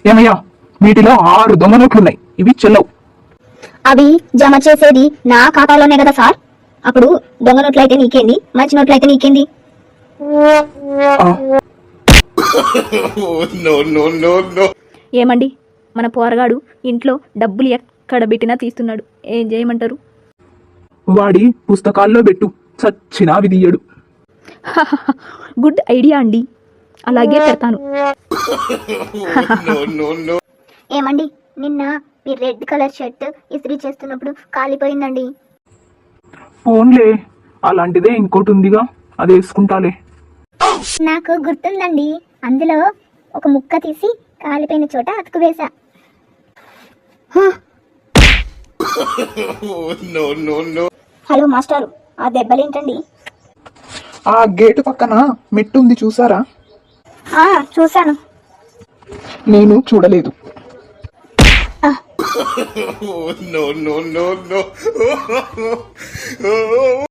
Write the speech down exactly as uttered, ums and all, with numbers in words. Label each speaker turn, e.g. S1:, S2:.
S1: ఏమయ్యా, వీటిలో ఆరు దొంగ నోట్లున్నాయి, ఇవి చెల్లవు.
S2: అవి జమ చేసేది నా ఖాతాలోనే కదా సార్. అప్పుడు దొంగ నోట్లు అయితే నీకేంది, మంచి నోట్లు అయితే నీకేంది?
S3: ఏమండి, మన పోరగాడు ఇంట్లో డబ్బులు ఎక్కడ పెట్టినా తీస్తున్నాడు, ఏం చేయమంటారు?
S1: వాడి పుస్తకాల్లో పెట్టు, చచ్చినా విధియ్యడు.
S3: గుడ్ ఐడియా అండి, అలాగే పెడతాను.
S2: ఏమండి, నిన్న మీ రెడ్ కలర్ షర్ట్ ఇస్త్రీ చేస్తున్నప్పుడు కాలిపోయిందండి.
S1: ఫోన్లే, అలాంటిదే ఇంకోటి ఉందిగా, అది వేసుకుంటాలే.
S2: నాకు గుర్తుందండి, అందులో ఒక ముక్క తీసి కాలిపోయిన చోట అతుకు వేసా. హలో మాస్టారు, ఆ దెబ్బలేంటండి?
S1: ఆ గేటు పక్కన మెట్టు ఉంది, చూసారా?
S2: ఆ చూశాను.
S1: నేను చూడలేదు.
S4: no, no, no, no.